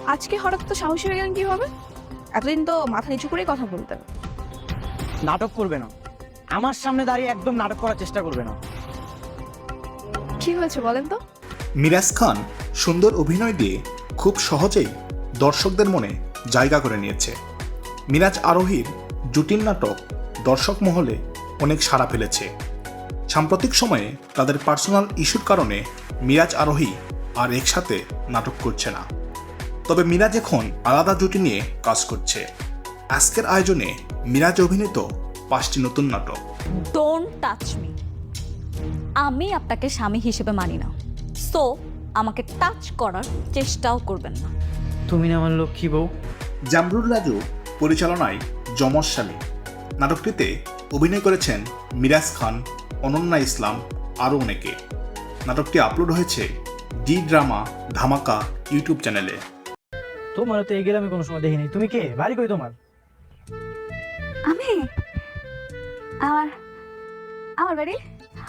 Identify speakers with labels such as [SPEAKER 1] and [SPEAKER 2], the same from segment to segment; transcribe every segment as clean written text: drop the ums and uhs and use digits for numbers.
[SPEAKER 1] আজকে হঠাৎ তো সাহসী হয়ে গেলেন কিভাবে? এতদিন তো মাথা নিচু করেই কথা বলতেন।
[SPEAKER 2] নাটক করবে না, আমার সামনে দাঁড়িয়ে একদম নাটক করার চেষ্টা করবে না।
[SPEAKER 1] কি হয়েছে বলেন তো?
[SPEAKER 3] মিরাজ খান সুন্দর অভিনয় দিয়ে খুব সহজেই দর্শকদের মনে জায়গা করে নিয়েছে। মিরাজ আরোহীর জুটির নাটক দর্শক মহলে অনেক সাড়া ফেলেছে। সাম্প্রতিক সময়ে তাদের পার্সোনাল ইস্যুর কারণে মিরাজ আরোহী আর একসাথে নাটক করছে না। তবে মিরাজ এখন আলাদা জুটি নিয়ে কাজ করছে। আজকের আয়োজনে মিরাজ অভিনীত 5টি নতুন নাটক।
[SPEAKER 4] Don't touch me. আমি আপনাকে স্বামী হিসেবে মানি না, সো আমাকে টাচ করার চেষ্টাও করবেন না।
[SPEAKER 2] তুমি না আমার লক্ষ্মী বউ।
[SPEAKER 3] জামরুল রাজু পরিচালনায় যমজ স্বামী নাটকটিতে অভিনয় করেছেন মিরাজ খান, অনন্যা ইসলাম আরও অনেকে। নাটকটি আপলোড হয়েছে ডি ড্রামা ধামাকা ইউটিউব চ্যানেলে।
[SPEAKER 2] তোমার তো এই গ্রামে কোনো সময় দেখিনি। তুমি কে? বাড়ি কই তোমার?
[SPEAKER 4] আমি আমার আমার বাড়ি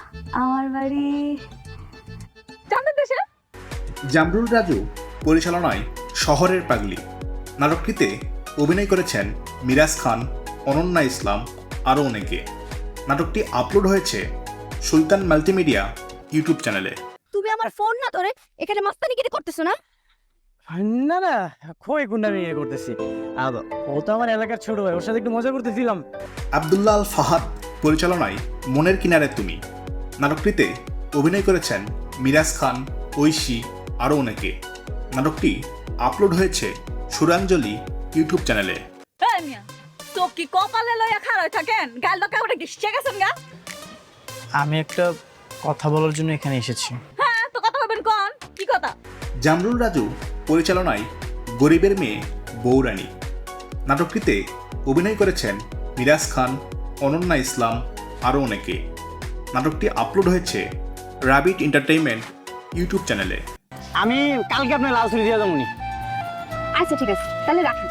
[SPEAKER 4] জানতে দেশে।
[SPEAKER 3] জামরুল রাজু পরিচালনায় শহরের পাগলি নাটকটিতে অভিনয় করেছেন মিরাজ খান, অনন্যা ইসলাম আরও অনেকে। নাটকটি আপলোড হয়েছে সুলতান মাল্টিমিডিয়া ইউটিউব চ্যানেলে।
[SPEAKER 4] তুমি আমার ফোন না ধরে এখানে মাস্তানিগিরি করতেছো না?
[SPEAKER 2] না না, খোয়ে গুন্ডামি ইয়ে করতেছি। ও তো আমার এলাকার ছোট ভাই, ওর সাথে একটু মজা করতেছিলাম।
[SPEAKER 3] আব্দুল্লাহ আল ফাহাদ পরিচালনায় মনের কিনারে তুমি নাটকটিতে অভিনয় করেছেন মিরাজ খান, ঐশী আরও অনেকে। নাটকটি আপলোড হয়েছে সুরাঞ্জলি ইউটিউব চ্যানেলে।
[SPEAKER 4] এই মিয়া, তো কি কপালে লইয়া খাড়ায় থাকেন? গাল লোকে ওটা গিসছে গেছেন গা?
[SPEAKER 2] আমি একটা কথা বলার জন্য এখানে এসেছি।
[SPEAKER 4] হ্যাঁ, তো কথা বলবেন কোন? কি কথা?
[SPEAKER 3] জামরুল রাজু পরিচালনায় গরিবের মেয়ে বৌরানী নাটকটিতে অভিনয় করেছেন মিরাজ খান, অনন্যা ইসলাম আরও অনেকে। নাটকটি আপলোড হয়েছে রাবিট এন্টারটেইনমেন্ট ইউটিউব চ্যানেলে।
[SPEAKER 2] আমি কালকে আপনার লাল ছুরি দিয়ে যাবনি।
[SPEAKER 4] আচ্ছা ঠিক আছে, তাহলে রাখেন।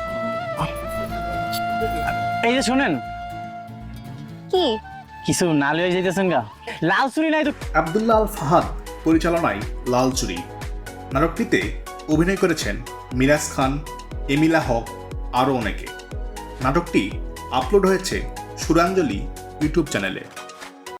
[SPEAKER 2] এই যে শোনেন,
[SPEAKER 4] কি?
[SPEAKER 2] কিছু না লয়ে যাইতেছেন গা? লাল ছুরি নাই তো?
[SPEAKER 3] আব্দুল্লাহ আল ফাহাদ পরিচালনায় লাল চুরি নাটকটিতে অভিনয় করেছেন মিরাজ খান, এমিলা হক আরও অনেকে। নাটকটি আপলোড হয়েছে সুরাঞ্জলি ইউটিউব চ্যানেলে।